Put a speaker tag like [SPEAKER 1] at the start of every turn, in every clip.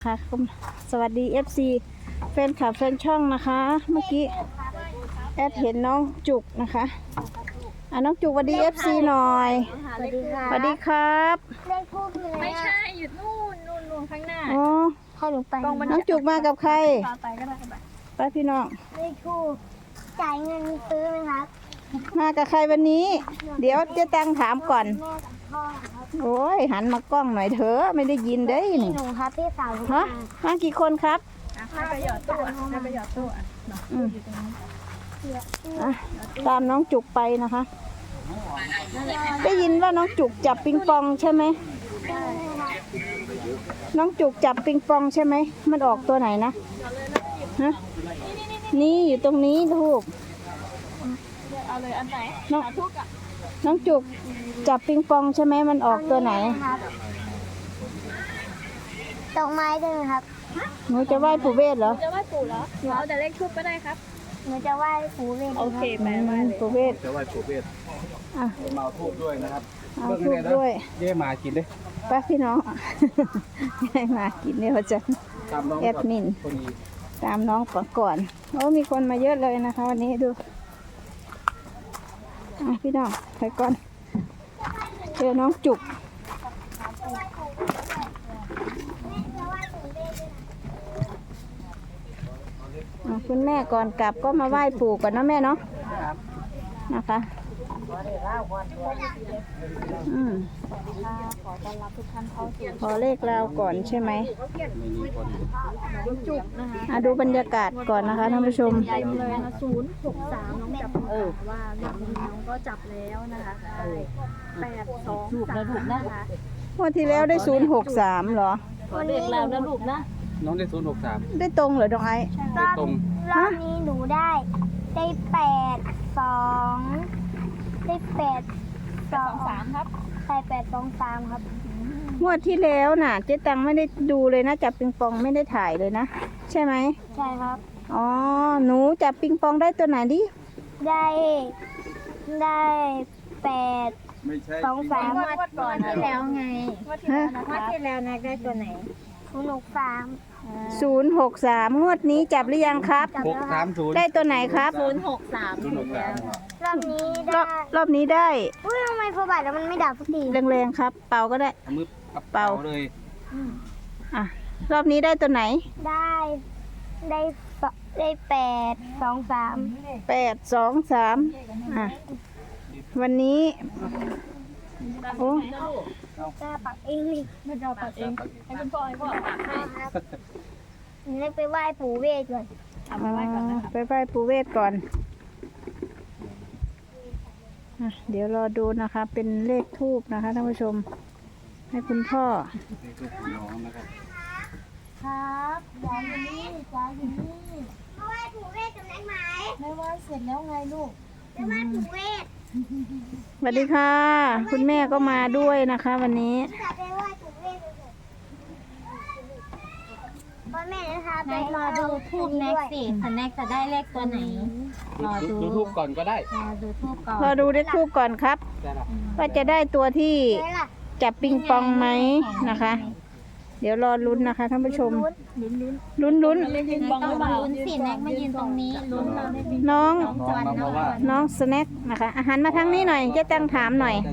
[SPEAKER 1] ค่ะสวัสดี FC แฟนคลับแฟนช่องนะคะเมื่อกี้แอดเห็นน้องจุกนะคะน้องจุกสวัสดี FC หน่อยสวัสดีครับ
[SPEAKER 2] เลขทูบเลย
[SPEAKER 3] ไม่ใช่อยู่นู่นข้างหน้า
[SPEAKER 1] อ๋อ
[SPEAKER 2] ให้หนูไป
[SPEAKER 1] น้องจุกมากับใคร
[SPEAKER 3] ไปก็ได้
[SPEAKER 1] ไปพี่น้อง
[SPEAKER 2] เลขทูบจ่ายเงินซื้อไหมครับ
[SPEAKER 1] มากับใครวันนี้เดี๋ยวเจ๊ตังถามก่อน
[SPEAKER 2] แม่กับพ่อครับ
[SPEAKER 1] โอ้ยหันมากล้องหน่อยเถอะไม่ได้ยินเด้
[SPEAKER 2] พี่
[SPEAKER 1] นี่
[SPEAKER 2] หนูครับพี่สาว
[SPEAKER 1] ฮะมากี่คนครับ
[SPEAKER 3] ให้ไปหยอดตู้ให้ไปหยอดตู้
[SPEAKER 1] ตามน้องจุกไปนะคะได้ยินว่าน้องจุกจับปิงปองใช่ไหมน้องจุกจับปิงปองใช่ไหมมันออกตัวไหนนะฮะนี่อยู่ตรงนี้ทูก
[SPEAKER 3] เอาเลยอันไหนทุกอ่ะ
[SPEAKER 1] น้องจุกจับปิงปองใช่ไหมมันออกตัวไหน
[SPEAKER 2] ดอกไม้ด้วยครับ
[SPEAKER 1] หนูจะไหว้ปู่เวทเหรอ
[SPEAKER 3] จะไหว้ปู่เหรอหนูเอาแต่เลขทูบก็ได้ครับ
[SPEAKER 2] หนูจะไหว้ปู่เวท
[SPEAKER 3] โอเคไปไหว้
[SPEAKER 1] ปู่เวท
[SPEAKER 4] จะไหว้ปู่เวทมาทูบด้วยนะครับ
[SPEAKER 1] เอาทูบด้วย
[SPEAKER 4] เย่มากินดิ
[SPEAKER 1] ป้าพี่น้องให้มากินเนี่ยจะแอดมินตามน้องก่อนโอ้มีคนมาเยอะเลยนะคะวันนี้ดูพี่น้องไปก่อนเจอน้องจุกคุณแม่ก่อนกลับก็มาไหว้ปู่ก่อนนะแม่เนาะนะคะ
[SPEAKER 3] ขอต้อนรับทุกท่านเข้าสู่
[SPEAKER 1] ขอเลขราวก่อนใช่ไหม
[SPEAKER 3] จุกนะคะ
[SPEAKER 1] ดูบรรยากาศก่อนนะคะท่านผู้ชม
[SPEAKER 3] เต็มเลยนะ063น้องจับว่าเรื่องนี้น้องก็จับแล้วนะคะ823นะคะ
[SPEAKER 1] วันที่แล้วได้063เหรอ
[SPEAKER 3] วันเลขราวนะลูกนะ
[SPEAKER 4] น้องได้063
[SPEAKER 1] ได้ตรงเหรอดองไอ้
[SPEAKER 4] ตรง
[SPEAKER 2] รอบนี้หนูได้82ได้
[SPEAKER 3] 823ครับ
[SPEAKER 2] ใช่823ครับ
[SPEAKER 1] งวดที่แล้วน่ะเจ๊ตังไม่ได้ดูเลยนะจับปิงปองไม่ได้ถ่ายเลยนะใช่ไหม
[SPEAKER 2] ใช่ครับ
[SPEAKER 1] อ๋อหนูจับปิงปองได้ตัวไหนดิ
[SPEAKER 2] ได้823
[SPEAKER 3] งวดก่อนที่แล้วไงงวดที่แล้วนะได้ตัวไหน
[SPEAKER 1] 063งวดนี้จับหรือยังครับ
[SPEAKER 4] 630
[SPEAKER 1] ได้ตัวไหนครับ
[SPEAKER 2] รอบนี้
[SPEAKER 1] รอบนี้ได้
[SPEAKER 2] อุ้ยทำไมพอบาทแล้วมันไม่ดับสักที
[SPEAKER 1] แรงๆครับเป่าก็ได้
[SPEAKER 4] มือเป่าเลย
[SPEAKER 1] รอบนี้ได้ตัวไหน
[SPEAKER 2] ได้823
[SPEAKER 1] วันนี้โอ้
[SPEAKER 2] กล้าปักเองนี่
[SPEAKER 3] ไม่เราปักเองให้คุณพ่อปักให้
[SPEAKER 2] หนูไปไหว้ปู่เวทก่อน
[SPEAKER 1] ไปไหว้ปู่เวทก่อนเดี๋ยวรอดูนะคะเป็นเลขทูบนะคะท่านผู้ชมให้คุณพ่อ
[SPEAKER 3] ครับยายอยู่นี่ยายอยู่นี่
[SPEAKER 2] ไหว้ปู่เวทจำได้ไหม
[SPEAKER 3] ไม่ไหว้เสร็จแล้วไงลูก
[SPEAKER 2] ไปไหว้ปู่เวท
[SPEAKER 1] สวัสดีค่ะคุณแม่ก็มาด้วยนะคะวันนี้
[SPEAKER 2] ไปไหว้ปู่เวทพ่อแม่นะคะไป
[SPEAKER 3] รอดูทูบแน็กสิสแน็กจะได้เลขตัวไหนรอดู
[SPEAKER 4] ทูบก่อนก็ได้
[SPEAKER 3] รอดูทูบก่อน
[SPEAKER 1] รอดูเลขทูบก่อนครับว่าจะได้ตัวที่จับปิงปองไหมนะคะเดี๋ยวรอลุ้นนะคะท่านผู้ชมลุ้น
[SPEAKER 3] ต้องลุ้นสิแน็กมายืนตรงนี้ลุ้นเราได้
[SPEAKER 1] น้องสแน็คนะคะอาหารมาทางนี้หน่อยจะตั้งถามหน่อย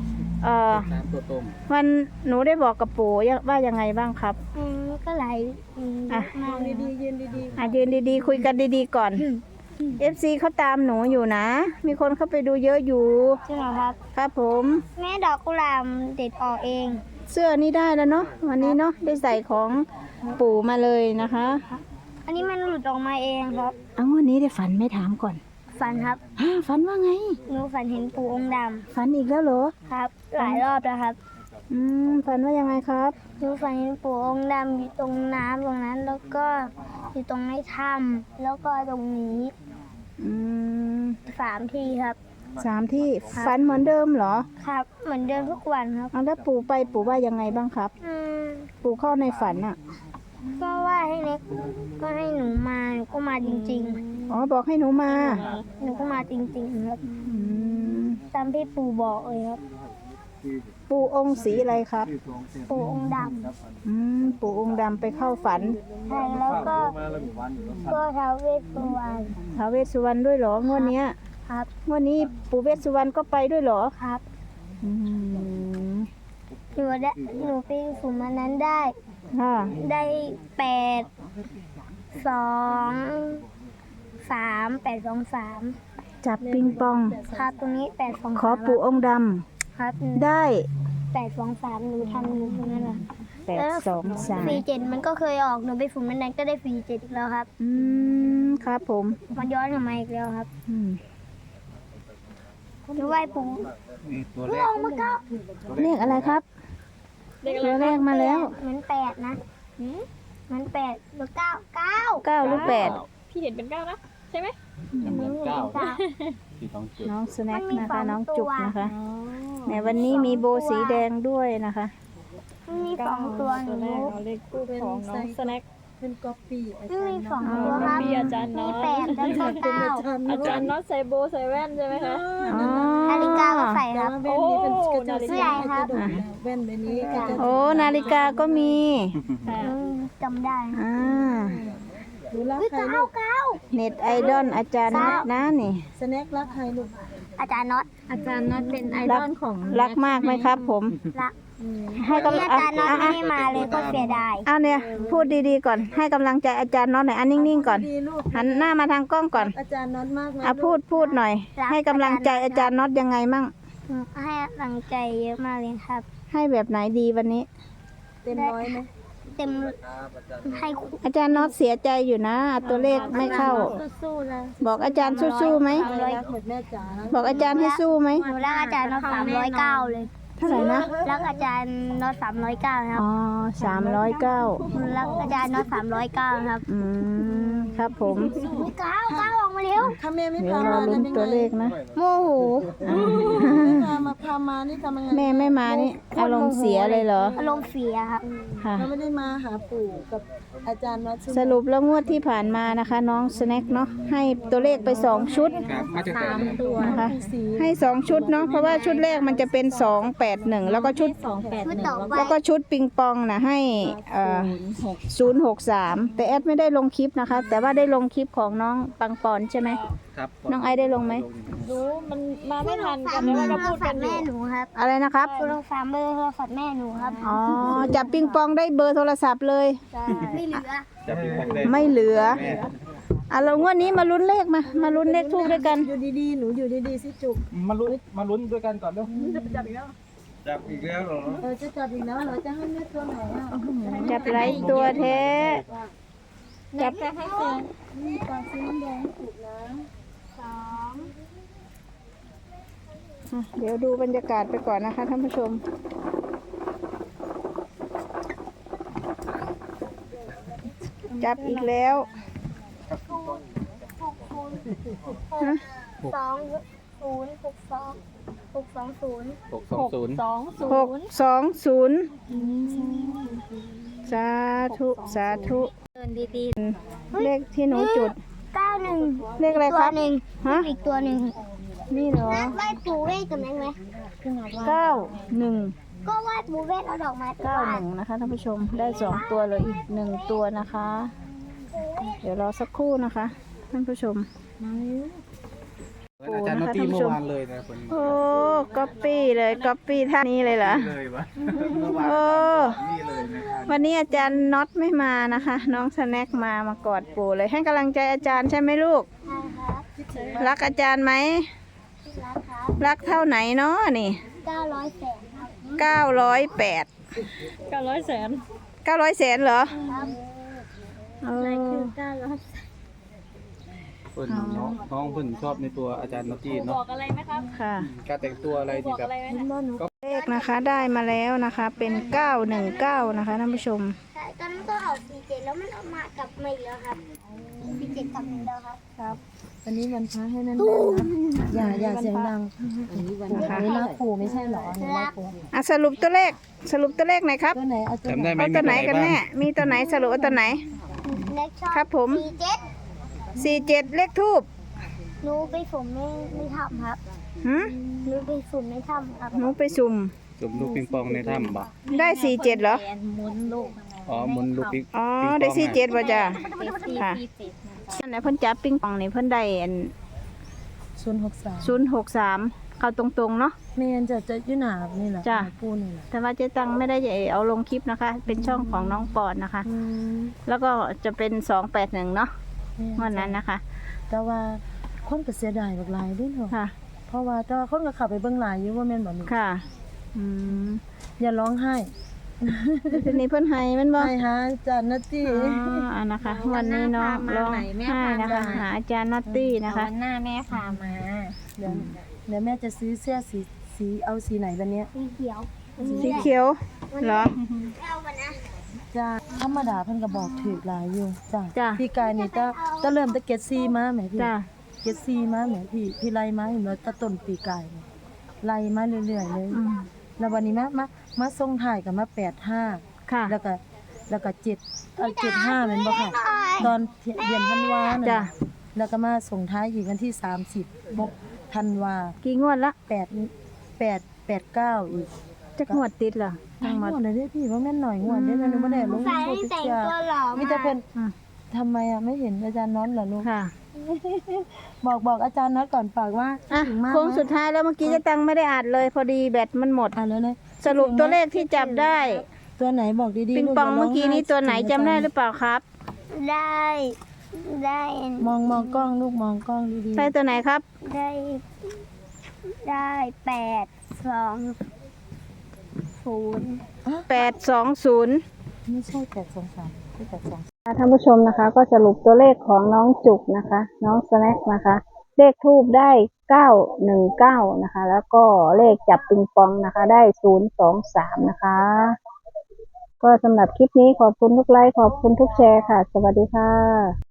[SPEAKER 1] วันหนูได้บอกกับปู่ว่ายังไงบ้างครับ
[SPEAKER 2] ก็ไหล
[SPEAKER 3] มองดีๆยืนดี
[SPEAKER 1] ๆยืนดีๆคุยกันดีๆก่อน FC เขาตามหนูอยู่นะมีคนเข้าไปดูเยอะอยู่
[SPEAKER 2] ใช่ไหมครับ
[SPEAKER 1] ครับผม
[SPEAKER 2] แม่ดอกกุหลาบเด็ดออกเอง
[SPEAKER 1] เสื้อนี้ได้แล้วเนาะวันนี้เนาะได้ใส่ของปู่มาเลยนะคะ
[SPEAKER 2] อันนี้มันหลุดออกมาเองครับ
[SPEAKER 1] วันนี้ได้ฝันไม่ถามก่อน
[SPEAKER 2] ฝันครับ
[SPEAKER 1] ฝันว่าไง
[SPEAKER 2] หนูฝันเห็นปู่องค์ดำ
[SPEAKER 1] ฝันอีกแล้วเหรอ
[SPEAKER 2] ครับหลายรอบแล้วครับ
[SPEAKER 1] ฝันว่ายังไงครับ
[SPEAKER 2] หนูฝันเห็นปู่องค์ดำอยู่ตรงน้ำตรงนั้นแล้วก็อยู่ตรงในถ้ำแล้วก็ตรงนี้3 ทีครับ
[SPEAKER 1] 3 ที่ฝันเหมือนเดิมเหรอ
[SPEAKER 2] ครับเหมือนเดิมทุกวันครับ
[SPEAKER 1] แล้วปู่ว่ายังไงบ้างครับปู่เข้าในฝันอ่ะ
[SPEAKER 2] ก็ว่าให้เล็กก็ให้หนูมาหนูก็มาจริง
[SPEAKER 1] ๆบอกให้หนูมา
[SPEAKER 2] หนูก็มาจริงๆครับตามที่ปู่บอกเลยครับ
[SPEAKER 1] ปู่องค์สีอะไรครับ
[SPEAKER 2] ปู่องค์ด
[SPEAKER 1] ปู่องค์ดำไปเข้าฝัน
[SPEAKER 2] ำใช่แล้วก็ท้าวเวสสุวรรณ
[SPEAKER 1] ท้าวเวสสุวรรณด้วยเหรองวดเนี้ย
[SPEAKER 2] ครับ
[SPEAKER 1] งวดนี้ปู่เวสสุวรรณก็ไปด้วยเหรอ
[SPEAKER 2] ครับ
[SPEAKER 1] อืม
[SPEAKER 2] หนูไปสุ่มอันนั้นได้
[SPEAKER 1] ค่ะ
[SPEAKER 2] ได้8 2 3
[SPEAKER 1] จับปิงปอง
[SPEAKER 2] ครับตรงนี้8 2 3
[SPEAKER 1] ขอปู่องค์ด
[SPEAKER 2] ครับ
[SPEAKER 1] ำได้
[SPEAKER 2] 8 2 3หนูทำหนูตรงนั้นแหละ
[SPEAKER 1] 8 2
[SPEAKER 2] ฟรี7มันก็เคยออกหนูไปสุ่มอันนั้นก็ได้ฟรี7อีกแล้วครับ
[SPEAKER 1] 3ครับผม
[SPEAKER 2] มันย้อนกลับมาอีกแล้วครับ
[SPEAKER 1] อืม
[SPEAKER 2] หนูไหว้ปู่
[SPEAKER 4] นี่ตัว
[SPEAKER 2] เพิ่
[SPEAKER 4] แรง ก
[SPEAKER 2] ออกมาเก้า
[SPEAKER 1] เลขอะไรครับตัวเลขมาแล้ว
[SPEAKER 2] เหมือน8นะเหมือน8หรือ9
[SPEAKER 1] 9หรือ8
[SPEAKER 3] พี่เห็นเป็น9นะใช่ไหม
[SPEAKER 4] เหมือนเก้า
[SPEAKER 2] 9
[SPEAKER 4] ที่ต้องจุด
[SPEAKER 1] น้องสแน็ค
[SPEAKER 2] มันมี
[SPEAKER 1] นะคะ
[SPEAKER 2] สอง
[SPEAKER 1] น้อง
[SPEAKER 2] ตัว
[SPEAKER 1] จุกนะคะในวันนี้มีโบสีแดงด้วยนะคะ
[SPEAKER 2] มันมี2ตัวหนู
[SPEAKER 3] เอาเลขคู่ของน้องสแน็ค
[SPEAKER 2] มันมี2ตัวครับ
[SPEAKER 3] มีอาจารย์
[SPEAKER 2] มี
[SPEAKER 3] เนาะ
[SPEAKER 2] 8แล้วก็9
[SPEAKER 3] อาจารย์น็อตใส่โบใส่แว่นใช่ไหมคะ
[SPEAKER 1] อ๋อ
[SPEAKER 2] นาฬิกาก็ใส่ครับ
[SPEAKER 3] โอ้นาฬิ
[SPEAKER 2] เสื้
[SPEAKER 3] กา
[SPEAKER 2] อครับ
[SPEAKER 1] โอ้นาฬิกาก็มี
[SPEAKER 2] จำได้
[SPEAKER 1] อ่า
[SPEAKER 2] เก้า
[SPEAKER 1] เน็ตไอดอลอาจารย์นัทนะนี่
[SPEAKER 2] อาจารย์น็อต
[SPEAKER 3] อาจารย์น็อตเป็นไอด
[SPEAKER 1] รั
[SPEAKER 3] อลของ
[SPEAKER 1] รักมากไหมครับผม
[SPEAKER 2] ละ
[SPEAKER 1] ให้
[SPEAKER 2] วัน
[SPEAKER 1] กำ
[SPEAKER 2] นี้
[SPEAKER 1] ลั
[SPEAKER 2] อาง จารย์น็อตไม่ได้มาเลยก็เสียดาย
[SPEAKER 1] เอาเนี่ยพูดดีๆก่อน ให้กำลังใจอาจารย์น็อตหน่อยอันนิ่งๆก่อนหันหน้ามาทางกล้องก่อน
[SPEAKER 5] อาจารย์น็อตมากไหม
[SPEAKER 1] พูดหน่อย ให้กำลังใจอาจารย์น็อตยังไงมั่ง
[SPEAKER 2] ให้กำลังใจเยอะมากเลยครับ
[SPEAKER 1] ให้แบบไหนดีวันนี้
[SPEAKER 5] เต็มร้อยไหม
[SPEAKER 2] เต็มให้
[SPEAKER 1] อาจารย์น็อตเสียใจอยู่นะ ตัวเลขไม่เข้า
[SPEAKER 2] สู้ๆเลย
[SPEAKER 1] บอกอาจารย์สู้ๆไหม
[SPEAKER 5] รักเหมือนแม่จ๋า
[SPEAKER 1] บอกอาจารย์ให้สู้ไหม
[SPEAKER 2] หนูรักอาจารย์น็อต309เลย
[SPEAKER 1] เท่าไหร่นะ
[SPEAKER 2] รักอาจารย์น็อต309ครับ
[SPEAKER 1] อ๋อ309
[SPEAKER 2] หนูรักอาจารย์น็อต309ครับ
[SPEAKER 1] ครับผม
[SPEAKER 2] ก้าวออกมาเร็ว
[SPEAKER 5] ถ้าแม่ไม่
[SPEAKER 1] เดี๋ยว
[SPEAKER 5] พาร
[SPEAKER 1] อ
[SPEAKER 5] มา
[SPEAKER 1] ลุ้น
[SPEAKER 5] ทำยัง
[SPEAKER 1] ตัวเล
[SPEAKER 5] ไง
[SPEAKER 1] ขนะ
[SPEAKER 2] โมโห
[SPEAKER 5] ไม่พามานี่ทำยังไง
[SPEAKER 1] แม่ไม่มานี่อารมณ์เสียเลยเหรอ
[SPEAKER 2] อารมณ์เสียครับ
[SPEAKER 1] ค่ะ
[SPEAKER 5] เราไม่ได้มาหาปู่กับอาจารย์น็อตใช่ไหม
[SPEAKER 1] สรุปแล้วงวดที่ผ่านมานะคะ น้องสแน็คเนาะให้ตัวเลขไป2ชุด
[SPEAKER 4] ครับมาจากไหน
[SPEAKER 3] ตัว
[SPEAKER 1] นะคะให้2ชุดเนาะเพราะว่าชุดแรกมันจะเป็น281แล้วก็ชุด
[SPEAKER 2] ชุดต่อไป
[SPEAKER 1] แล้วก็ชุดปิงปองนะให้063แต่แอดไม่ได้ลงคลิปนะคะ แต่ว่าได้ลงคลิปของน้องปังปอนใช่ไหม
[SPEAKER 4] ครับ
[SPEAKER 1] น้องไอได้ลงไหม
[SPEAKER 3] รู้มันมาไม่ทันกัน
[SPEAKER 2] เบ
[SPEAKER 3] แล้
[SPEAKER 2] อ
[SPEAKER 3] ว
[SPEAKER 2] ร์
[SPEAKER 3] ก็
[SPEAKER 2] โทร
[SPEAKER 3] พูด
[SPEAKER 2] ศั
[SPEAKER 3] กั
[SPEAKER 2] พ
[SPEAKER 3] น
[SPEAKER 2] ท์
[SPEAKER 3] อยู่
[SPEAKER 2] แม่หนูครับ
[SPEAKER 1] อะไรนะครับ
[SPEAKER 2] โทรศัพท์เบอร์โทรศัพท์แม่หนูครับ
[SPEAKER 1] อ๋อจับปิงปองได้เบอร์โทรศัพท์เลย
[SPEAKER 2] ไม่เหลือ
[SPEAKER 4] จะเป็นของแดง
[SPEAKER 1] ไม่เหลืออ่ะเรางวดนี้มาลุ้นเลขมาลุ้นเลขทูบด้วยกัน
[SPEAKER 5] อยู่ดีๆหนูอยู่ดีๆสิจุก
[SPEAKER 4] มาลุ้นด้วยกันก่อนเร็วจับอีกแล้วเหรอ
[SPEAKER 5] จะจับอีกแล้วเหรอจะให้แม่ตัวไหนอ่ะ
[SPEAKER 1] จับไรตัวแท้จับ
[SPEAKER 5] นี่ตาสีน้ำแดงจุกนะ
[SPEAKER 1] เดี๋ยวดูบรรยากาศไปก่อนนะคะท่านผู้ชม จับอีกแล้ว
[SPEAKER 2] 620
[SPEAKER 1] สาธุสาธุ
[SPEAKER 2] เดินดี
[SPEAKER 1] เลขที่หนูจุด
[SPEAKER 2] ๆ91
[SPEAKER 1] เลขอะไรครับ
[SPEAKER 2] ตัวหนึ่ง
[SPEAKER 1] ฮะ
[SPEAKER 2] อีกตัวหนึ่ง
[SPEAKER 1] นี่เหรอ
[SPEAKER 2] ไหว้ปู่เวทกับแม่ไหม
[SPEAKER 1] 91
[SPEAKER 2] ก็ไหว้ปู่เวทเอาดอกไม้ไปไหว้
[SPEAKER 1] 91นะคะท่านผู้ชมได้2ตัวเลยอีก1ตัวนะคะ เดี๋ยวรอสักครู่นะคะท่านผู้ชม
[SPEAKER 4] อาจารย์นอตตี้เมื่อวานเลยนะคน
[SPEAKER 1] โอ้ก๊อปปี้เลยก๊อปปี้ท่านี้เลยเหรอ
[SPEAKER 4] เลยวะ
[SPEAKER 1] โอ้
[SPEAKER 4] นี่เลยนะครับ
[SPEAKER 1] วันนี้อาจารย์น็อตไม่มานะคะ น้องสแน็คมากอดปู่เลยให้กำลังใจอาจารย์ใช่ไหมลูก
[SPEAKER 2] ใช่ครับ
[SPEAKER 1] รักอาจารย์ไหม
[SPEAKER 2] รักครับ
[SPEAKER 1] รักเท่าไหนเนาะนี่
[SPEAKER 2] 900 แสนครับ
[SPEAKER 1] 908
[SPEAKER 3] 900 แสน
[SPEAKER 1] 900แสนเหรอ
[SPEAKER 2] ครับ
[SPEAKER 1] เออ
[SPEAKER 4] เพิ่นน้องเพิ่นชอบในตัวอาจารย์นอตตี้
[SPEAKER 3] บ
[SPEAKER 4] เนาะ
[SPEAKER 3] อกอะไรไหมครับ
[SPEAKER 1] ค่ะ
[SPEAKER 4] การแต่งตัวอะไร
[SPEAKER 3] บ
[SPEAKER 4] ที่
[SPEAKER 3] อก
[SPEAKER 4] แบบ
[SPEAKER 3] อะไรไหมนะ
[SPEAKER 1] เลขนะคะได้มาแล้วนะคะเป็น 919นะคะท่านผู้ชม
[SPEAKER 2] ใช่ตอนนั้นก็ออก47แล้วมันออกมากลับมาอีกแล้วครับ47กลับมาอีกแล้วครับ
[SPEAKER 5] วันนี้วันพระให้นั่นนะอย่าเสียงดังอันนี้วันพระนี่รักปู่ไม่ใช่เหรอนี่รักปู่
[SPEAKER 1] อ่ะสรุปตัวเลขหน่อยครับ
[SPEAKER 5] ตัวไหนเอาตัว
[SPEAKER 4] จำได้ไหม
[SPEAKER 1] เอาตัวไหนกันแน่ มีตัวไหนสรุปเอาตัวไหน
[SPEAKER 2] เล็กชอบ
[SPEAKER 1] ครับผม
[SPEAKER 2] 47
[SPEAKER 1] 47 เลขทูบ
[SPEAKER 2] หนูไปสุ่มไม่ทำครับ
[SPEAKER 1] หืม
[SPEAKER 2] หนูไปสุ่มไม่ทำครับ
[SPEAKER 1] หนูไปสุ่ม
[SPEAKER 4] จุ่มลูกปิงปองในถ้ำบ่
[SPEAKER 1] ได้47เหรอ
[SPEAKER 3] หมุนลูก
[SPEAKER 4] อ๋อหมุนลูกปิง
[SPEAKER 1] อ๋อ
[SPEAKER 4] ปิงปอง
[SPEAKER 1] ได้
[SPEAKER 4] อะ
[SPEAKER 1] 47บ่จ้ะ
[SPEAKER 3] เป็น
[SPEAKER 1] ค่ะ
[SPEAKER 3] 47
[SPEAKER 1] อันไหนเพิ่นจับปิงปองนี่เพิ่นได้อัน
[SPEAKER 5] 063
[SPEAKER 1] 063เข้าตรงๆเนาะ
[SPEAKER 5] แม่นจะอยู่หน้านี่แหละ
[SPEAKER 1] จ้ะ
[SPEAKER 5] หน้าปูนี่แหละ
[SPEAKER 1] แต่ว่าเจ๊ตังไม่ได้เอาลงคลิปนะคะ เป็นช่องของน้องปอนนะคะ
[SPEAKER 5] อืม
[SPEAKER 1] แล้วก็จะเป็น281เนาะ
[SPEAKER 5] แม่
[SPEAKER 1] วันนั้นนะคะ
[SPEAKER 5] แต่ว่าคนก็เสียดายบักหลายเด้เนาะ
[SPEAKER 1] ค่ะ
[SPEAKER 5] เพราะว่าแต่ว่าคนก็เข้าไปเบิ่งหลายอยู่ว่าแม่นบ่นี่
[SPEAKER 1] ค่ะ อืม
[SPEAKER 5] อย่าร้องไห้
[SPEAKER 1] ทีนี้เพิ่นให้แมันบ่
[SPEAKER 5] ให้หาอาจารย์นาตี้
[SPEAKER 1] อ๋ออันนะคะ วันนี้น้องร้องไห้นะคะ หาอาจารย์นัตตี้นะคะ
[SPEAKER 3] วันหน้าแม่พามา
[SPEAKER 5] เดี๋ยวแม่จะซื้อเสื้อสีเอาสีไหนวันเนี้ย
[SPEAKER 2] สีเขียว
[SPEAKER 1] สีเขียวเหรอ
[SPEAKER 5] จ้าธรรมดาเพิ่นก็บอกถูกหลายอยู่จ้า
[SPEAKER 1] จ้ะ
[SPEAKER 5] พี่กายนี่จะเริ่มตะเก็ดซีมาแหมพี่
[SPEAKER 1] จ้ะ
[SPEAKER 5] เก็ดซีมาแหมพี่ไล่มาเห็นว่าตะต้นปีกายเนี่ยไล่มาเรื่อยๆเลย
[SPEAKER 1] อืม
[SPEAKER 5] แล้ววันนี้มาส่งท้ายกับมา85
[SPEAKER 1] ค่ะ
[SPEAKER 5] แล้วก็75แม่นบ่ค่ะ ตอนเดือนธันวาน่ะ
[SPEAKER 1] จ้ะ
[SPEAKER 5] แล้วก็มาส่งท้ายอีกวันที่30ธันวา
[SPEAKER 1] กี่งวดละ
[SPEAKER 5] 89อีก
[SPEAKER 1] จักงวดติดเหรอทั้งหมด
[SPEAKER 5] งวดเลยเด้อพี่ว่าแม่นหน่อยงวดเด้อหนูบ่ได้ลง
[SPEAKER 2] ใส่
[SPEAKER 5] โซ
[SPEAKER 2] ให้แต่ง
[SPEAKER 5] เชียล
[SPEAKER 2] ตัวหล่อ
[SPEAKER 5] มีแต่เพิ่น
[SPEAKER 1] อืม
[SPEAKER 5] ทำไมอ่ะไม่เห็นอาจารย์น็อตเหรอลูก
[SPEAKER 1] ค่ะ
[SPEAKER 5] บอกอาจารย์น็อตก่อนฝากว่า
[SPEAKER 1] อ่ะ
[SPEAKER 5] ถึงมาก
[SPEAKER 1] โค้ง
[SPEAKER 5] นะ
[SPEAKER 1] สุดท้ายแล้วเมื่อกี้เจ๊ตังไม่ได้อ่านเลยพอดีแบตมันหมด
[SPEAKER 5] อ่านแล้วนะ
[SPEAKER 1] สรุปตัวเลขที่จับได้
[SPEAKER 5] ตัวไหนบอกดีๆ
[SPEAKER 1] ปิงปอง
[SPEAKER 5] ลู
[SPEAKER 1] เมื่อกี้นี้ตัวไหนจำได้หรือเปล่าครับ
[SPEAKER 2] ได้
[SPEAKER 5] มองกล้องลูกมองกล้องดี
[SPEAKER 1] ใช่ตัวไหนครับ
[SPEAKER 2] ได้820
[SPEAKER 1] 820
[SPEAKER 5] ไม่ใช่823ที่823
[SPEAKER 1] ท่านผู้ชมนะคะ ก็สรุปตัวเลขของน้องจุกนะคะ น้องสแน็คนะคะ เลขทูบได้919นะคะ แล้วก็เลขจับปิงปองนะคะ ได้023นะคะ ก็สำหรับคลิปนี้ขอบคุณทุกไลค์ขอบคุณทุกแชร์ค่ะ สวัสดีค่ะ